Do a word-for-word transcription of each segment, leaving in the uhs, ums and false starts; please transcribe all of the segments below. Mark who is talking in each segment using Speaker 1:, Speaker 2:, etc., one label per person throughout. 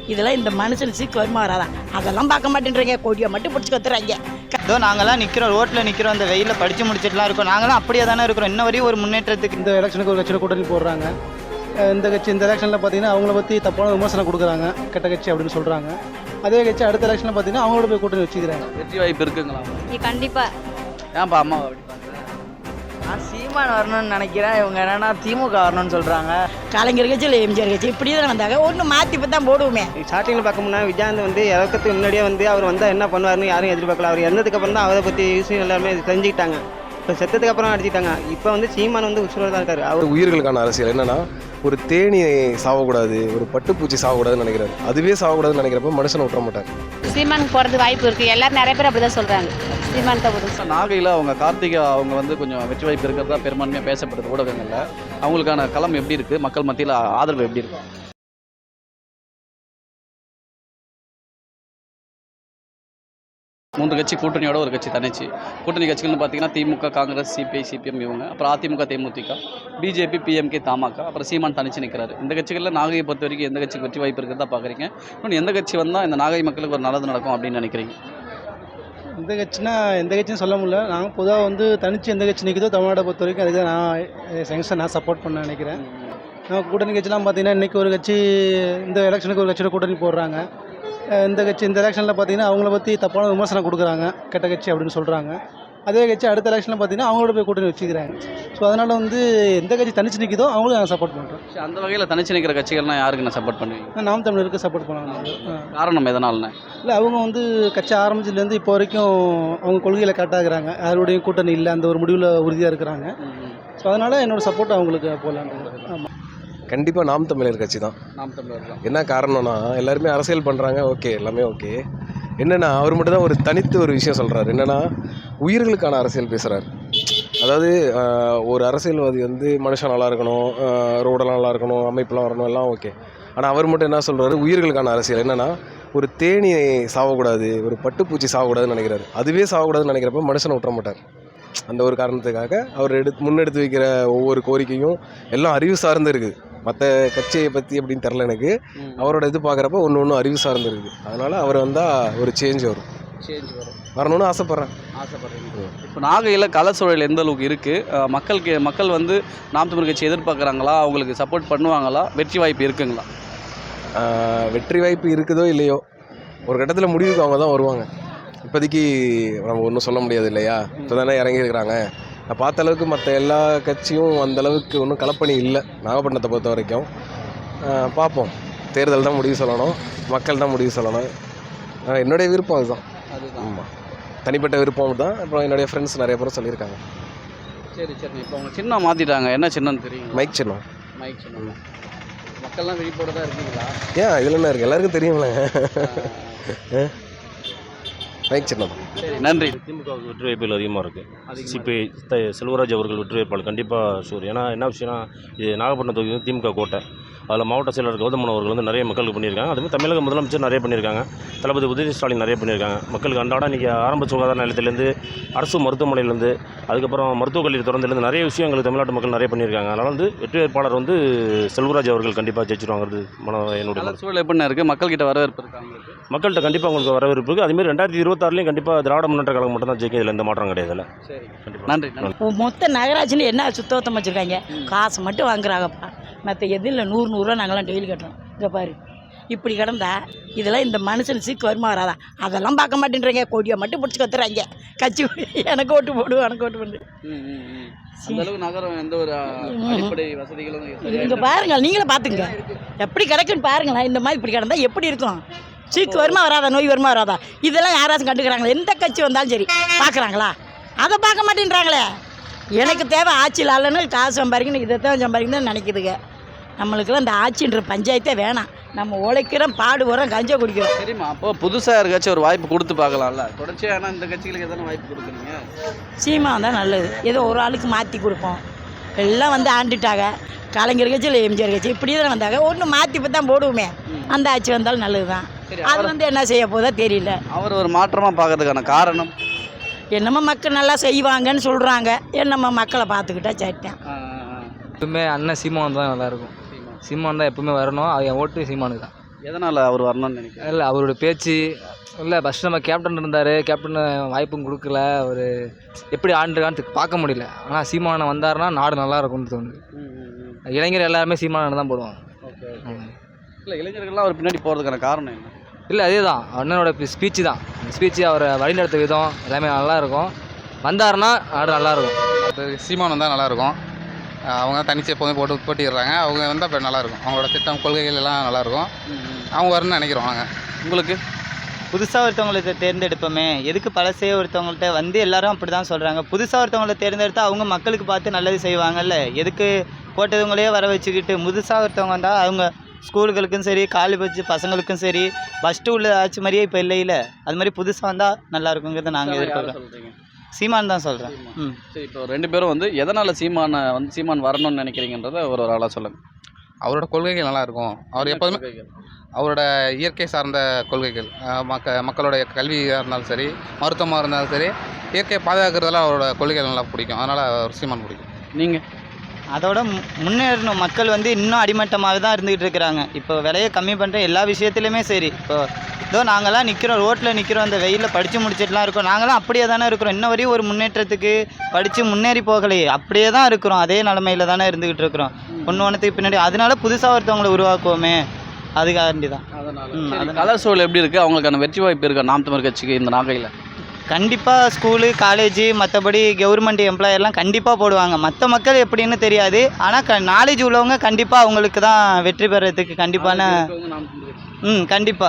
Speaker 1: இதெல்லாம் இந்த மனுஷன் சீக்கு வருமா வராதான் அதெல்லாம் பார்க்க மாட்டேன்றீங்க. கொடியை மட்டும் பிடிச்சி கத்துறாங்க.
Speaker 2: இதோ நாங்களாம் நிற்கிறோம், ரோட்டில் நிற்கிறோம், அந்த வெயிலில் படித்து முடிச்சுட்டுலாம் இருக்கோம். நாங்களாம் அப்படியே தானே இருக்கிறோம். இன்ன வரையும் ஒரு முன்னேற்றத்துக்கு
Speaker 3: இந்த எலெக்ஷனுக்கு ஒரு கட்சியில் கூட்டணி போடுறாங்க. இந்த கட்சி இந்த எலெக்ஷனில் பார்த்தீங்கன்னா அவங்கள பற்றி தப்பான விமர்சனம் கொடுக்குறாங்க, கெட்ட கட்சி அப்படின்னு சொல்கிறாங்க. அதே கட்சி அடுத்த எலெக்ஷனில் பார்த்தீங்கன்னா அவங்களோட போய் கூட்டணி வச்சுக்கிறாங்க.
Speaker 4: வெற்றி வாய்ப்பு இருக்குங்களா?
Speaker 5: கண்டிப்பாக.
Speaker 4: ஏன்ப்பா அம்மா அப்படி
Speaker 2: நான் சீமான் வரணும்னு நினைக்கிறேன். இவங்க என்னன்னா திமுக வரணும்னு சொல்கிறாங்க.
Speaker 1: கலைஞர் கட்சி இல்லை எம்ஜிஆர் கட்சி இப்படி தான் வந்தாங்க. ஒன்று மாற்றி இப்போ தான் போடுவோமே.
Speaker 6: ஸ்டார்டிங்கில் பார்க்கணும்னா விஜயகாந்த் வந்து இறக்கத்துக்கு முன்னாடியே வந்து அவர் வந்தால் என்ன பண்ணுவார்னு யாரும் எதிர்பார்க்கல. அவர் இறந்ததுக்கு அப்புறம் தான் அவரை பற்றி விஷயம் எல்லாருமே தெரிஞ்சுக்கிட்டாங்க. இப்போ செத்ததுக்கு அப்புறம் அடிச்சிட்டாங்க. இப்போ வந்து சீமான் வந்து உசுரோட தான் இருக்காரு. அவர்
Speaker 7: உயிர்களுக்கான அரசியல் என்னன்னா ஒரு தேனி சாவக்கூடாது, ஒரு பட்டுப்பூச்சி சாவக்கூடாதுன்னு நினைக்கிறாரு. அதுவே சாவக்கூடாதுன்னு நினைக்கிறப்ப மனுஷனை விட்டுற மாட்டார்.
Speaker 5: சீமானுக்கு போகிறது வாய்ப்பு இருக்குது. எல்லாரும் நிறைய பேர் அப்படி தான் சொல்கிறாங்க. சீமான் தான் போடுறது.
Speaker 4: நாகையில் அவங்க கார்த்திகா அவங்க வந்து கொஞ்சம் வெற்றி வாய்ப்பு இருக்கிறதா பெரும்பான்மையாக பேசப்படுது ஊடகங்களில். அவங்களுக்கான களம் எப்படி இருக்குது? மக்கள் மத்தியில் ஆதரவு எப்படி இருக்கு? மூன்று கட்சி கூட்டணியோட ஒரு கட்சி தனிச்சு. கூட்டணி கட்சிகள்னு பார்த்தீங்கன்னா திமுக, காங்கிரஸ், சிபிஐ, சிபிஎம் இவங்க, அப்புறம் அதிமுக, தேமுதிக, பிஜேபி, பிஎம்கே, தமாக, அப்புறம் சீமான் தனிச்சு நிற்கிறாரு. இந்த கட்சிகளில் நாகையை பொறுத்த வரைக்கும் எந்த கட்சிக்கு வெற்றி வாய்ப்பு இருக்கிறதா பார்க்குறீங்க? இன்னொன்று எந்த கட்சி வந்தால் இந்த நாகை மக்களுக்கு ஒரு நல்லது நடக்கும் அப்படின்னு நினைக்கிறீங்க?
Speaker 3: இந்த கட்சினா எந்த கட்சியும் சொல்ல முடியல. நாங்கள் பொதுவாக வந்து தனிச்சு எந்த கட்சி நிற்குதோ தமிழ்நாட்டை பொறுத்த வரைக்கும் அதுக்கு நான் செங்ஷன் நான் சப்போர்ட் பண்ண நினைக்கிறேன். நான் கூட்டணி கட்சிலாம் பார்த்தீங்கன்னா இன்றைக்கி ஒரு கட்சி இந்த எலெக்ஷனுக்கு ஒரு கட்சியில் கூட்டணி போடுறாங்க. இந்த கட்சி இந்த எலெக்ஷனில் பார்த்தீங்கன்னா அவங்கள பற்றி தப்பான விமர்சனம் கொடுக்குறாங்க, கெட்ட கட்சி அப்படின்னு சொல்கிறாங்க. அதே கட்சி அடுத்த எலெக்ஷனில் பார்த்தீங்கன்னா அவங்களோட போய் கூட்டணி வச்சுக்கிறாங்க. ஸோ அதனால் வந்து எந்த கட்சி தனிச்சு நிற்கிதோ அவங்களும் நாங்கள் சப்போர்ட் பண்ணுறோம்.
Speaker 4: அந்த வகையில் தனிச்சு நிற்கிற கட்சிகள்லாம் யாருக்கு நான் சப்போர்ட் பண்ணுவீங்க?
Speaker 3: நாம் தமிழருக்கு சப்போர்ட் பண்ணுவாங்க.
Speaker 4: காரணம் எதனால்ண்ணே?
Speaker 3: இல்லை அவங்க வந்து கட்சி ஆரம்பிச்சதுலேருந்து இப்போ வரைக்கும் அவங்க கொள்கையில் கரெக்டாகிறாங்க. யாருடையும் கூட்டணி இல்லை, அந்த ஒரு முடிவில் உறுதியாக இருக்கிறாங்க. ஸோ அதனால் என்னோடய சப்போர்ட் அவங்களுக்கு போகலான்னு. ஆமாம்,
Speaker 7: கண்டிப்பாக நாம் தமிழர் கட்சி தான்.
Speaker 4: நாம் தமிழர் தான்.
Speaker 7: என்ன காரணம்னா எல்லாருமே அரசியல் பண்ணுறாங்க, ஓகே, எல்லாமே ஓகே. என்னென்னா அவர் மட்டும் தான் ஒரு தனித்து ஒரு விஷயம் சொல்கிறார். என்னென்னா உயிர்களுக்கான அரசியல் பேசுகிறார். அதாவது ஒரு அரசியல்வாதி வந்து மனுஷன் நல்லா இருக்கணும், ரோடெல்லாம் நல்லா இருக்கணும், அமைப்பெல்லாம் வரணும், எல்லாம் ஓகே. ஆனால் அவர் மட்டும் என்ன சொல்கிறாரு, உயிர்களுக்கான அரசியல். என்னென்னா ஒரு தேனி சாவக்கூடாது, ஒரு பட்டுப்பூச்சி சாவக்கூடாதுன்னு நினைக்கிறாரு. அதுவே சாவக்கூடாதுன்னு நினைக்கிறப்ப மனுஷனை விட்டுற மாட்டார். அந்த ஒரு காரணத்துக்காக அவர் எடுத்து முன்னெடுத்து வைக்கிற ஒவ்வொரு கோரிக்கையும் எல்லாம் அறிவு சார்ந்து இருக்குது. மற்ற கட்சியை பற்றி அப்படின்னு தெரில எனக்கு. அவரோட இது பார்க்குறப்ப ஒன்று ஒன்று அறிவு சார்ந்து இருக்குது. அதனால் அவர் வந்தால் ஒரு சேஞ்ச் வரும்.
Speaker 4: சேஞ்ச் வரும்
Speaker 7: வரணும்னு ஆசைப்பட்றேன்
Speaker 4: ஆசைப்பட்றேன் இப்போ நாகையில் கள சூழல் எந்த அளவுக்கு இருக்குது? மக்களுக்கு மக்கள் வந்து நாம் தமிழ் கட்சி எதிர்பார்க்குறாங்களா? அவங்களுக்கு சப்போர்ட் பண்ணுவாங்களா? வெற்றி வாய்ப்பு இருக்குங்களா?
Speaker 7: வெற்றி வாய்ப்பு இருக்குதோ இல்லையோ ஒரு கட்டத்தில் முடிவுக்கு அவங்க தான் வருவாங்க. இப்போதைக்கு நம்ம ஒன்றும் சொல்ல முடியாது இல்லையா? இப்போ தானே இறங்கியிருக்கிறாங்க. நான் பார்த்த அளவுக்கு மற்ற எல்லா கட்சியும் அந்தளவுக்கு ஒன்றும் கலப்பணி இல்லை நாகப்பட்டினத்தை பொறுத்த வரைக்கும். பார்ப்போம், தேர்தல் தான் முடிவு சொல்லணும், மக்கள் தான் முடிவு சொல்லணும். என்னுடைய விருப்பம் அதுதான்.
Speaker 4: அதுதான்.
Speaker 7: ஆமாம், தனிப்பட்ட விருப்பம் தான். அப்புறம் என்னுடைய ஃப்ரெண்ட்ஸ் நிறைய பேரும் சொல்லியிருக்காங்க.
Speaker 4: சரி சரி இப்போ அவங்க சின்னம் மாற்றிட்டாங்க. என்ன சின்னம் தெரியும்?
Speaker 7: மைக் சின்னம்.
Speaker 4: மைக் சின்னம். மக்கள்லாம் விழிப்போட தான் இருக்கீங்களா?
Speaker 7: ஏன் இதில் என்ன இருக்குது, எல்லாருக்கும் தெரியும்ல. மைக் சின்னம்.
Speaker 4: சரி, நன்றி.
Speaker 8: திமுகவுக்கு வெற்றி வாய்ப்புகள் அதிகமாக இருக்குது. சிபிஐ செல்வராஜ் அவர்கள் வெற்றி வாய்ப்பாளர் கண்டிப்பாக ஷூர். ஏன்னா என்ன விஷயம்னா இது நாகப்பட்டினம் தொகுதி வந்து திமுக கோட்டை. அதில் மாவட்ட செயலர் கௌதமன் அவர்கள் வந்து நிறைய மக்களுக்கு பண்ணியிருக்காங்க. அதுமாதிரி தமிழக முதலமைச்சர் நிறைய பண்ணியிருக்காங்க. தளபதி உதயநிதி ஸ்டாலின் நிறைய பண்ணியிருக்காங்க. மக்களுக்கு அன்றாடம் இன்றைக்கி ஆரம்ப சுகாதார நிலையத்திலேருந்து அரசு மருத்துவமனையிலேருந்து அதுக்கப்புறம் மருத்துவக் கல்லூரி திறந்துலேருந்து நிறைய விஷயங்கள் தமிழ்நாட்டு மக்கள் நிறைய பண்ணியிருக்காங்க. அதனால் வந்து வெற்றி வேட்பாளர் வந்து செல்வராஜ் அவர்கள் கண்டிப்பாக ஜெயிச்சிருவாங்கிறது மன என்னுடைய
Speaker 4: சூழல் எப்படின்னா இருக்குது? மக்கள்கிட்ட வரவேற்பு இருக்காங்க.
Speaker 8: மக்கள்கிட்ட கண்டிப்பாக உங்களுக்கு வரவேற்பு இருக்குது. அதுமாதிரி ரெண்டாயிரத்தி இருபத்தாறுலேயும் கண்டிப்பாக திராவிட முன்னேற்ற கழகம் மட்டும் தான் ஜெயிக்கும். இதில் எந்த மாற்றம் கிடையாது.
Speaker 4: சரி, நன்றி.
Speaker 1: மொத்த நகராட்சின்னு என்ன சுத்தம் வச்சுருக்காங்க? காசு மட்டும் வாங்குறாங்கப்பா. மற்ற எதில் நூறு நூறுரூவா நாங்களாம் டெய்லி கட்டுறோம். இங்கே பாரு, இப்படி கிடந்தா இதெல்லாம் இந்த மனுஷன் சீக்கு வருமா வராதா அதெல்லாம் பார்க்க மாட்டேன்றீங்க. கொடியை மட்டும் பிடிச்சி கத்துறாங்க. கட்சி எனக்கு ஓட்டு போடு, எனக்கு ஓட்டு போடு.
Speaker 4: நகரம் எந்த ஒரு அடிப்படை வசதிகளும்
Speaker 1: இங்கே பாருங்கள், நீங்களே பார்த்துங்க எப்படி கிடக்குன்னு பாருங்களேன். இந்த மாதிரி இப்படி கிடந்தா எப்படி இருக்கும்? சீக்கு வருமா வராதா, நோய் வருமா வராதா, இதெல்லாம் யாராச்சும் கண்டுக்கிறாங்களா? எந்த கட்சி வந்தாலும் சரி பார்க்குறாங்களா? அதை பார்க்க மாட்டேன்றாங்களே. எனக்கு தேவை ஆட்சியில் அல்லன்னு காசு சம்பாதிக்கணும், இதை தான் சம்பாதிக்கணும்னு நினைக்குதுங்க. நம்மளுக்கெல்லாம் இந்த ஆட்சின்ற பஞ்சாயத்தே வேணாம். நம்ம உழைக்கிறோம், பாடு வரோம், கஞ்சா குடிக்கிறோம்.
Speaker 4: சரிம்மா, அப்போ புதுசாக இருக்காச்சும் ஒரு வாய்ப்பு கொடுத்து பார்க்கலாம்ல. தொடர்ச்சியாக ஆனால் இந்த கட்சிகளுக்கு எதனா வாய்ப்பு கொடுக்குறீங்க?
Speaker 1: சீமா தான் நல்லது. ஏதோ ஒரு ஆளுக்கு மாற்றி கொடுப்போம். எல்லாம் வந்து ஆண்டுட்டாங்க. கலைஞர் கட்சி இல்லை எம்ஜிஆர் கட்சி இப்படி தான் வந்தாங்க. ஒன்று மாற்றி இப்போ தான் போடுவோமே. அந்த ஆட்சி வந்தாலும் நல்லது தான். அது வந்து என்ன செய்ய போதா தெரியல.
Speaker 4: அவர் ஒரு மாற்றமாக பார்க்கறதுக்கான காரணம்
Speaker 1: என்னமோ மக்கள் நல்லா செய்வாங்கன்னு சொல்கிறாங்க. என்னம்மா மக்களை பார்த்துக்கிட்டா சரிட்டேன்.
Speaker 9: எப்பவுமே அண்ணன் சீமான் தான் நல்லாயிருக்கும். சீமான் தான் எப்பவுமே வரணும். அது என் ஓட்டு சீமானுக்கு தான்.
Speaker 4: எதனால் அவர் வரணும்னு நினைக்கிறேன்?
Speaker 9: இல்லை அவரோட பேச்சு இல்லை ஃபஸ்ட் நம்ம கேப்டன் இருந்தார், கேப்டன் வாய்ப்பும் கொடுக்கல, அவர் எப்படி ஆண்டுருக்கான்னு பார்க்க முடியல. ஆனால் சீமானன் வந்தாருன்னா நாடு நல்லா இருக்கும்னு தோணுது. இளைஞர் எல்லாருமே சீமானன் தான் போடுவாங்க.
Speaker 4: ஓகே இல்லை இளைஞர்கள்லாம் அவர் பின்னாடி போகிறதுக்கான காரணம் என்ன?
Speaker 9: இல்லை அதே தான் அண்ணனோட ஸ்பீச்சு தான். ஸ்பீச்சு அவரை வழிநடத்த விதம் எல்லாமே நல்லாயிருக்கும். வந்தாருன்னா நாடு நல்லாயிருக்கும்.
Speaker 10: சீமான் வந்தால் நல்லாயிருக்கும். அவங்க தனிச்சு எப்போதும் போட்டு போட்டிடுறாங்க. அவங்க வந்தால் இப்போ நல்லாயிருக்கும். அவங்களோட திட்டம் கொள்கைகள் எல்லாம் நல்லாயிருக்கும். அவங்க வரணும்னு நினைக்கிறோம் நாங்கள். உங்களுக்கு
Speaker 2: புதுசாக ஒருத்தவங்களை தேர்ந்தெடுப்போமே, எதுக்கு பழசே ஒருத்தவங்கள்ட்ட வந்து எல்லாரும் அப்படி தான் சொல்கிறாங்க. புதுசாக ஒருத்தவங்களை தேர்ந்தெடுத்தால் அவங்க மக்களுக்கு பார்த்து நல்லது செய்வாங்கல்ல. எதுக்கு போட்டதுங்களே வர வச்சுக்கிட்டு புதுசாக ஒருத்தவங்க வந்தால் அவங்க ஸ்கூலுகளுக்கும் சரி, காலேஜ் பசங்களுக்கும் சரி, ஃபஸ்ட்டு உள்ள ஆட்சி மாதிரியே இப்போ இல்லையில. அது மாதிரி புதுசாக வந்தால் நல்லா இருக்குங்கிறத நாங்கள் எதிர்பார்க்குறோம்.
Speaker 4: சொல்கிறீங்க?
Speaker 2: சீமான் தான் சொல்கிறேன். ம்
Speaker 4: சரி, இப்போ ரெண்டு பேரும் வந்து எதனால் சீமானை வந்து சீமான் வரணும்னு நினைக்கிறீங்கன்றத ஒரு ஒரு ஆளாக சொல்லுங்கள்.
Speaker 10: அவரோட கொள்கைகள் நல்லாயிருக்கும். அவர் எப்போதுமே அவரோட இயற்கை சார்ந்த கொள்கைகள், மக்க மக்களுடைய கல்வியாக இருந்தாலும் சரி, மருத்துவமாக இருந்தாலும் சரி, இயற்கையை பாதுகாக்கிறதுலாம் அவரோட கொள்கைகள் நல்லா பிடிக்கும். அதனால் அவர் சீமான் பிடிக்கும்.
Speaker 4: நீங்கள்
Speaker 2: அதோட முன்னேறணும். மக்கள் வந்து இன்னும் அடிமட்டமாக தான் இருந்துகிட்டு இருக்கிறாங்க. இப்போ விலையை கம்மி பண்ணுற எல்லா விஷயத்துலையுமே சரி. இப்போ இதோ நாங்களாம் நிற்கிறோம், ரோட்டில் நிற்கிறோம், அந்த வெயிலில் படித்து முடிச்சிட்டுலாம் இருக்கோம். நாங்களாம் அப்படியே தானே இருக்கிறோம். இன்ன வரையும் ஒரு முன்னேற்றத்துக்கு படித்து முன்னேறி போகலையே, அப்படியே தான் இருக்கிறோம். அதே நிலமையில தானே இருந்துக்கிட்டு இருக்கிறோம். ஒன்று ஒன்றுத்துக்கு பின்னாடி அதனால புதுசாக ஒருத்தவங்களை உருவாக்குவோமே, அதுக்காண்டி தான்.
Speaker 4: அதனால் கலர் சூழல் எப்படி இருக்குது? அவங்களுக்கான வெற்றி வாய்ப்பு இருக்கா நாம் தமிழர் கட்சிக்கு இந்த நாகையில்?
Speaker 2: கண்டிப்பாக ஸ்கூலு, காலேஜு, மற்றபடி கவர்மெண்ட் எம்ப்ளாயர்லாம் கண்டிப்பாக போடுவாங்க. மற்ற மக்கள் எப்படின்னு தெரியாது. ஆனால் க நாலேஜ் உள்ளவங்க கண்டிப்பாக அவங்களுக்கு தான் வெற்றி பெறத்துக்கு கண்டிப்பான ம் கண்டிப்பாக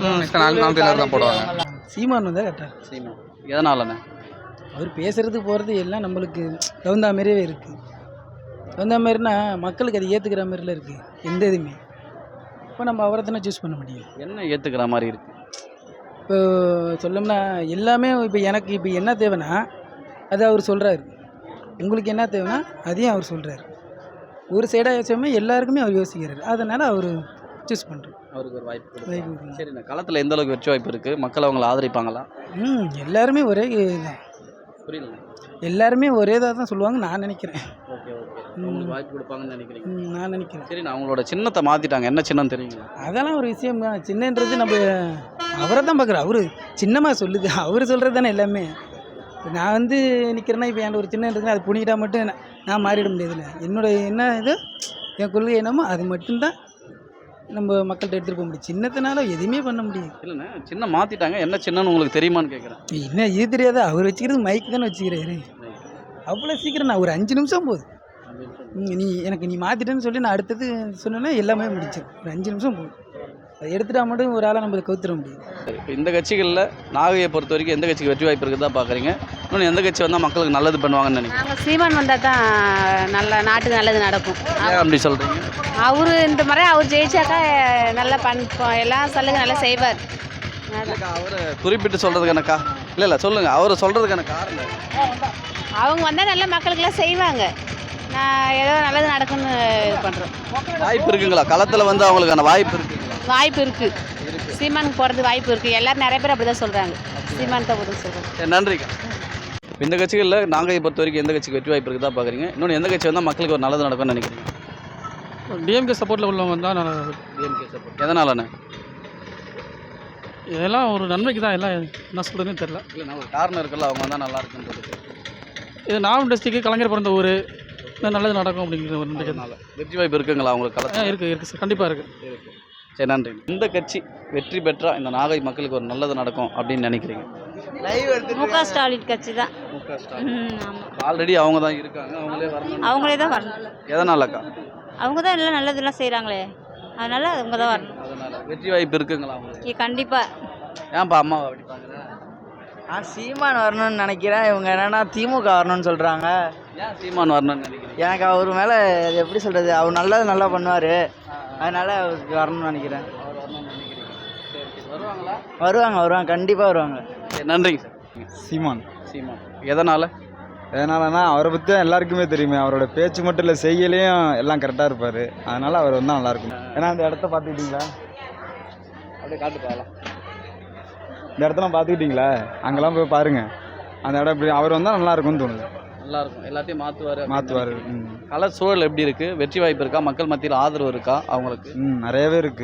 Speaker 10: தான் போடுவாங்க.
Speaker 3: சீமான் வந்தால் கரெக்டாக.
Speaker 4: சீமான் எதனாலண்ணே?
Speaker 3: அவர் பேசுகிறது போகிறது எல்லாம் நம்மளுக்கு தகுந்த மாதிரியே இருக்குது. தகுந்த மாதிரினா மக்களுக்கு அது ஏற்றுக்கிற மாதிரிலாம் இருக்குது எந்த இதுவுமே. இப்போ நம்ம அவரை தானே சூஸ் பண்ண முடியும்.
Speaker 4: என்ன ஏற்றுக்கிற மாதிரி இருக்குது?
Speaker 3: இப்போ சொல்லணும்னா எல்லாமே இப்போ எனக்கு இப்போ என்ன தேவைன்னா அது அவர் சொல்கிறாரு. உங்களுக்கு என்ன தேவைன்னா அதையும் அவர் சொல்கிறாரு. ஒரு சைடாக யோசிக்காமல் எல்லாருக்குமே அவர் யோசிக்கிறார். அதனால் அவர் சூஸ் பண்ணுறோம்.
Speaker 4: அவருக்கு ஒரு வாய்ப்பு கொடுக்கும்.
Speaker 3: வாய்ப்பு
Speaker 4: சரி, இந்த களத்தில் எந்த அளவுக்கு வெற்றி வாய்ப்பு இருக்குது? மக்கள் அவங்களை ஆதரிப்பாங்களா?
Speaker 3: ம் எல்லாருமே ஒரே இதுதான்.
Speaker 4: புரியல.
Speaker 3: எல்லாருமே ஒரே இதாக தான் சொல்லுவாங்க நான் நினைக்கிறேன்.
Speaker 4: ஓகே ஓகே உங்களுக்கு வாய்ப்பு கொடுப்பாங்கன்னு நினைக்கிறீங்க?
Speaker 3: ம், நான் நினைக்கிறேன்.
Speaker 4: சரி, நான் அவங்களோட சின்னத்தை மாற்றிட்டாங்க. என்ன சின்னம் தெரியுங்களா?
Speaker 3: அதெல்லாம் ஒரு விஷயம் தான். சின்னன்றது நம்ம அவரை தான் பார்க்குறோம். அவரு சின்னமாக சொல்லுது, அவர் சொல்கிறது தானே எல்லாமே. இப்போ நான் வந்து நிற்கிறேன்னா இப்போ என்கிட்ட ஒரு சின்னன்றதுன்னா அது புனிக்கிட்டா மட்டும் நான் நான் மாறிட முடியாதுல்ல. என்னோட என்ன இது என் கொள்கை என்னமோ அது மட்டும்தான் நம்ம மக்கள்கிட்ட எடுத்துகிட்டு போக முடியும். சின்னத்தினால எதுவுமே பண்ண முடியாது.
Speaker 4: இல்லைண்ணே, சின்னம் மாற்றிட்டாங்க. என்ன சின்னன்னு உங்களுக்கு தெரியுமான்னு கேட்குறேன்.
Speaker 3: என்ன இது தெரியாதா? அவர் வச்சுக்கிறது மைக் தானே வச்சுக்கிறாரு. அவ்வளோ சீக்கிரம் நான் ஒரு அஞ்சு நிமிஷம் போகுது. நீ எனக்கு நீ மாற்றிட்டேன்னு சொல்லி நான் அடுத்தது சொன்னேன்னா எல்லாமே முடிச்சு ஒரு அஞ்சு நிமிஷம் போகுது. அதை எடுத்துட்டா மட்டும் ஒரு ஆளாக நம்மளை கவுத்துற முடியும்.
Speaker 4: இப்போ இந்த கட்சிகளில் நாகையை பொறுத்த வரைக்கும் எந்த கட்சிக்கு வெற்றி வாய்ப்பு இருக்குதா பார்க்குறீங்க? இன்னொன்று எந்த கட்சி வந்தால் மக்களுக்கு நல்லது பண்ணுவாங்கன்னு நினைக்கிறேன்?
Speaker 5: நாங்கள் சீமான் வந்தால் தான் நல்ல நாட்டுக்கு நல்லது நடக்கும்.
Speaker 4: ஏன் அப்படி சொல்கிறீங்க?
Speaker 5: அவர் இந்த முறை அவர் ஜெயிச்சாக்கா நல்லா பண்ண எல்லாம் சலுகை நல்லா செய்வார்.
Speaker 4: அவரை குறிப்பிட்டு சொல்கிறதுக்கான கா இல்லை இல்லை சொல்லுங்கள், அவரை சொல்கிறதுக்கான காரணம்
Speaker 5: அவங்க வந்தால் நல்லா மக்களுக்கெல்லாம் செய்வாங்க. நான் ஏதோ நல்லது நடக்கும்னு இது பண்ணுறோம்.
Speaker 4: வாய்ப்பு இருக்குங்களா? களத்தில் வந்து அவங்களுக்கான வாய்ப்பு இருக்குங்களா?
Speaker 5: வாய்ப்பு இருக்குது. சீமானுக்கு போகிறது வாய்ப்பு இருக்குது. எல்லோரும் நிறைய பேர் அப்படி தான் சொல்கிறாங்க. சீமான் தான் போதும் சொல்கிறேன்.
Speaker 4: நன்றிக்கா. இந்த கட்சிகளில் நாகையை பொறுத்த வரைக்கும் எந்த கட்சிக்கு வெற்றி வாய்ப்பு இருக்குதா பார்க்குறீங்க? இன்னொன்று எந்த கட்சி வந்தால் மக்களுக்கு ஒரு நல்லது நடக்கும்னு நினைக்கிறீங்க?
Speaker 11: டிஎம்கே சப்போர்ட்டில் உள்ளவங்க தான் நான்.
Speaker 4: டிஎம்கே சப்போர்ட் எதனாலண்ணே?
Speaker 11: இதெல்லாம் ஒரு நன்மைக்கு தான். எல்லாம் என்ன சொல்கிறதுன்னு தெரில.
Speaker 4: இல்லை, நான் ஒரு காரணம் இருக்குல்ல, அவங்க வந்தால் நல்லா இருக்குன்றது.
Speaker 11: இது நாகம் டிஸ்ட்ரிக்ட் கலைஞர் பிறந்த ஊர், நல்லது நடக்கும் அப்படிங்கிற ஒரு நம்பிக்கைனால
Speaker 4: வெற்றி வாய்ப்பு இருக்குங்களா உங்களுக்கு களத்தில்?
Speaker 11: இருக்குது இருக்குது சார், கண்டிப்பாக இருக்குது.
Speaker 4: இருக்குது. சரி, நன்றி. இந்த கட்சி வெற்றி பெற்றால் இந்த நாகை மக்களுக்கு ஒரு நல்லது நடக்கும் அப்படின்னு நினைக்கிறீங்க?
Speaker 12: மு க ஸ்டாலின் கட்சி தான்.
Speaker 4: மு க ஸ்டாலின் ஆல்ரெடி அவங்க தான் இருக்காங்க, அவங்களே வரணும்.
Speaker 12: அவங்களே தான் வரணும்.
Speaker 4: எதனாலக்கா?
Speaker 12: அவங்க தான் எல்லாம் நல்லதெல்லாம் செய்கிறாங்களே, அதனால அவங்க தான் வரணும்.
Speaker 4: அதனால வெற்றி வாய்ப்பு இருக்குங்களா அவங்களுக்கு?
Speaker 12: கண்டிப்பாக.
Speaker 4: ஏன்ப்பா அம்மாவை அப்படி பார்க்குறேன்?
Speaker 2: நான் சீமான் வரணும்னு நினைக்கிறேன். இவங்க என்னென்னா திமுக வரணும்னு சொல்கிறாங்க.
Speaker 4: ஏன் சீமான் வரணும்னு நினைக்கிறேன்?
Speaker 2: எனக்கு அவர் மேலே அது எப்படி சொல்கிறது, அவர் நல்லது நல்லா பண்ணுவார், அதனால் அவருக்கு வரணும்னு நினைக்கிறேன்.
Speaker 4: அவர் வரணும்னு நினைக்கிறீங்க? சரி சரி வருவாங்களா?
Speaker 2: வருவாங்க வருவாங்க கண்டிப்பாக வருவாங்க.
Speaker 4: சரி, நன்றிங்க சார்.
Speaker 13: சீமான்.
Speaker 4: சீமான் எதனால்?
Speaker 13: எதனாலனா அவரை பற்றி தான் எல்லாருக்குமே தெரியுமே. அவரோட பேச்சு மட்டும் இல்லை, செய்யலையும் எல்லாம் கரெக்டாக இருப்பார். அதனால் அவர் வந்தால் நல்லாயிருக்கும். ஏன்னா அந்த இடத்த பார்த்துக்கிட்டிங்களா?
Speaker 4: அப்படியே காட்டு போகலாம்.
Speaker 13: இந்த இடத்தெல்லாம் பார்த்துக்கிட்டிங்களா? அங்கெல்லாம் போய் பாருங்கள். அந்த இடம் இப்படி அவர் வந்தால் நல்லா இருக்கும்னு தோணுது.
Speaker 4: நல்லா இருக்கும். எல்லாத்தையும் மாற்றுவார்
Speaker 13: மாற்றுவார்.
Speaker 4: கள சூழல் எப்படி இருக்குது? வெற்றி வாய்ப்பு இருக்கா? மக்கள் மத்தியில் ஆதரவு இருக்கா அவங்களுக்கு?
Speaker 13: ம் நிறையவே இருக்குது.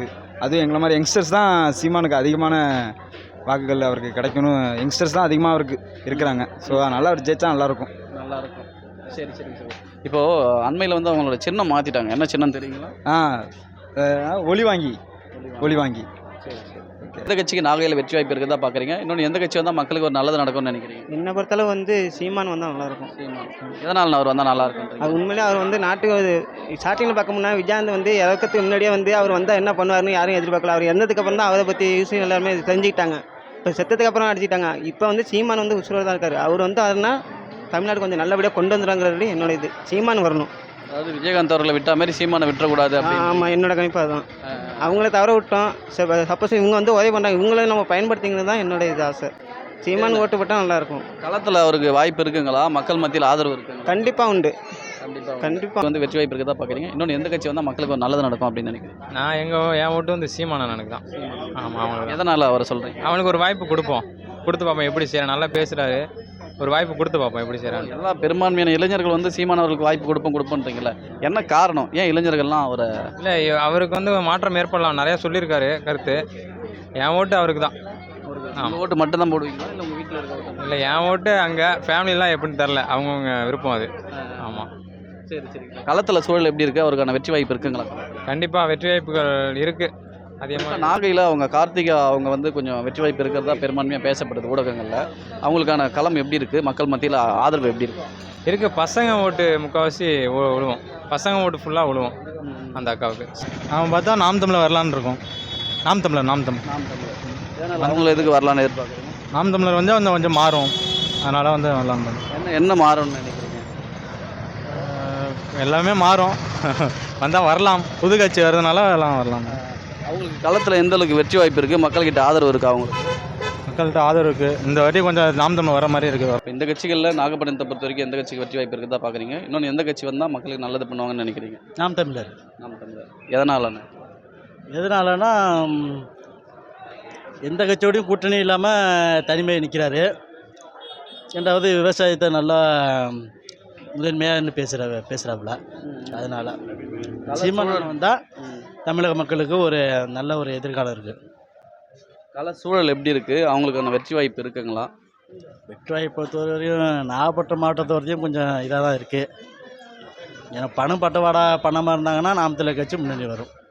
Speaker 13: அதுவும் எங்களை மாதிரி யங்ஸ்டர்ஸ் தான் சீமானுக்கு அதிகமான வாக்குகள் அவருக்கு கிடைக்கணும். யங்ஸ்டர்ஸ் தான் அதிகமாக அவருக்கு இருக்கிறாங்க. ஸோ அதனால் அவர் ஜெயிச்சா நல்லாயிருக்கும்.
Speaker 4: நல்லா இருக்கும். சரி சரி சரி. இப்போது அண்மையில் வந்து அவங்களோட சின்னம் மாற்றிட்டாங்க. என்ன சின்னம் தெரியுங்களா?
Speaker 13: ஆ அஹ், ஒளி வாங்கி ஒளி வாங்கி
Speaker 4: சரி சரி. எந்த கட்சிக்கு நாகையில் வெற்றி வாய்ப்பு இருக்குதா பார்க்குறீங்க? இன்னொன்று எந்த கட்சி வந்தால் மக்களுக்கு ஒரு நல்லது நடக்கும்னு நினைக்கிறீங்க?
Speaker 6: என்னை பொறுத்தளவு வந்து சீமான் வந்தால் நல்லாயிருக்கும்.
Speaker 4: எதனால் அவர் வந்தால் நல்லா இருக்கும்?
Speaker 6: அது உண்மையிலே அவர் வந்து நாட்டுக்கு ஸ்டார்டிங்கில் பார்க்க முன்னா விஜயகாந்த் வந்து இறக்கத்துக்கு முன்னாடியே வந்து அவர் வந்தால் என்ன பண்ணுவார்னு யாரும் எதிர்பார்க்கல. அவர் இறந்ததுக்கு அப்புறம் தான் அவரை பற்றி யூஸ் எல்லாருமே தெரிஞ்சுக்கிட்டாங்க. இப்போ செத்ததுக்கு அப்புறம் அடிச்சிட்டாங்க. இப்போ வந்து சீமான் வந்து உசுரோடு தான் இருக்கார். அவர் வந்து அதுனா தமிழ்நாடு கொஞ்சம் நல்லபடியாக கொண்டு வந்துடுறாங்கிறது என்னோட இது. சீமான் வரணும்.
Speaker 4: அதாவது விஜயகாந்த் அவர்களை விட்டா மாதிரி சீமானை விட்டுறக்கூடாது அப்படின்னு.
Speaker 6: ஆமாம், என்னோட கணிப்பு அதுதான். அவங்கள தவற விட்டோம். சப்போஸ் இவங்க வந்து உதவி பண்ணுறாங்க, இவங்கள நம்ம பயன்படுத்திங்கிறது தான் என்னோட இது ஆசை. சீமான் ஓட்டு போட்டால் நல்லாயிருக்கும்.
Speaker 4: களத்தில் அவருக்கு வாய்ப்பு இருக்குங்களா? மக்கள் மத்தியில் ஆதரவு இருக்குங்களா?
Speaker 6: கண்டிப்பாக உண்டு.
Speaker 4: கண்டிப்பாக
Speaker 6: கண்டிப்பாக
Speaker 4: வந்து வெற்றி வாய்ப்பு இருக்குதா பார்க்குறீங்க? இன்னொன்று எந்த கட்சி வந்தால் மக்களுக்கு ஒரு நல்லது நடக்கும் அப்படின்னு நினைக்கிறேன்?
Speaker 9: நான் எங்கள் என் ஓட்டு வந்து சீமான எனக்கு தான். ஆமாம், அவனுக்கு
Speaker 4: எதனால் அவரை சொல்கிறீங்க?
Speaker 9: அவனுக்கு ஒரு வாய்ப்பு கொடுப்போம். கொடுத்து பார்ப்போம் எப்படி செய்யறான். நல்லா பேசுகிறாரு. ஒரு வாய்ப்பு கொடுத்து பார்ப்போம் எப்படி செய்கிறான்.
Speaker 4: எல்லா பெரும்பான்மையான இளைஞர்கள் வந்து சீமானவர்களுக்கு வாய்ப்பு கொடுப்போம் கொடுப்போன்றீங்களா? என்ன காரணம்? ஏன் இளைஞர்கள்லாம் அவரை?
Speaker 9: இல்லை, அவருக்கு வந்து மாற்றம் ஏற்படலாம். நிறையா சொல்லியிருக்காரு கருத்து. என் ஓட்டு அவருக்கு தான்.
Speaker 4: உங்கள் ஓட்டு மட்டும் தான் போடுவீங்களா இல்லை உங்கள் வீட்டில் இருக்க?
Speaker 9: இல்லை, என் ஓட்டு அங்கே ஃபேமிலிலாம் எப்படின்னு தெரில. அவங்கவுங்க விருப்பம் அது. ஆமாம்.
Speaker 4: சரி சரி. களத்தில் சூழல் எப்படி இருக்குது? அவருக்கான வெற்றி வாய்ப்பு இருக்குங்களா?
Speaker 9: கண்டிப்பாக வெற்றி வாய்ப்புகள் இருக்குது. அதே மாதிரி
Speaker 4: நாகையில் அவங்க கார்த்திகா அவங்க வந்து கொஞ்சம் வெற்றி வாய்ப்பு இருக்கிறதா பெரும்பான்மையாக பேசப்படுது ஊடகங்களில். அவங்களுக்கான களம் எப்படி இருக்குது? மக்கள் மத்தியில் ஆதரவு எப்படி இருக்குது?
Speaker 9: இருக்குது. பசங்க ஓட்டு முக்கால்வாசி விழுவோம். பசங்க ஓட்டு ஃபுல்லாக விழுவோம் அந்த அக்காவுக்கு.
Speaker 3: அவன் பார்த்தா நாம் தமிழர் வரலான்னு இருக்கும். நாம் தமிழர் நாம் தமிழ்
Speaker 4: நாம் தமிழர் அவங்கள எதுக்கு வரலான்னு எதிர்பார்க்குறீங்க?
Speaker 3: நாம் தமிழர் வந்து வந்து கொஞ்சம் மாறும். அதனால் வந்து வரலான்னு
Speaker 4: என்ன என்ன மாறும்னு நினைக்கிறீங்க?
Speaker 3: எல்லாமே மாறும். வந்தால் வரலாம். புது கட்சி வர்றதுனால எல்லாம் வரலாம்.
Speaker 4: அவங்களுக்கு களத்தில் எந்த அளவுக்கு வெற்றி வாய்ப்பு இருக்குது? மக்கள்கிட்ட ஆதரவு இருக்கா அவங்களுக்கு?
Speaker 3: மக்கள்கிட்ட ஆதரவு இருக்குது. இந்த வாட்டி கொஞ்சம் நாம் தமிழ் வர மாதிரி இருக்குது.
Speaker 4: இப்போ இந்த கட்சிகளில் நாகப்பட்டினத்தை பொறுத்த வரைக்கும் எந்த கட்சிக்கு வெற்றி வாய்ப்பு இருக்குதா பார்க்குறீங்க? இன்னொன்று எந்த கட்சி வந்தால் மக்களுக்கு நல்லது பண்ணுவாங்கன்னு நினைக்கிறீங்க?
Speaker 1: நாம் தமிழர்.
Speaker 4: நாம் தமிழர். எதனாலண்ணே?
Speaker 1: எதனாலனா எந்த கட்சியோடையும் கூட்டணி இல்லாமல் தனிமையை நிற்கிறாரு. ரெண்டாவது விவசாயத்தை நல்லா முதன்மையாக பேசுகிற பேசுகிறாப்புல. அதனால் சீமானன் வந்தால் தமிழக மக்களுக்கு ஒரு நல்ல ஒரு எதிர்காலம் இருக்குது.
Speaker 4: கள சூழல் எப்படி இருக்குது? அவங்களுக்கான வெற்றி வாய்ப்பு இருக்குங்களா?
Speaker 1: வெற்றி வாய்ப்பு பொறுத்தவரையும் நாகப்பட்டினம் மாவட்டத்தை வரையும் கொஞ்சம் இதாக தான் இருக்குது. ஏன்னா பணம் பட்டவாடா பணமாக இருந்தாங்கன்னா நாம் தமிழர் கட்சி முன்னணி வரும்.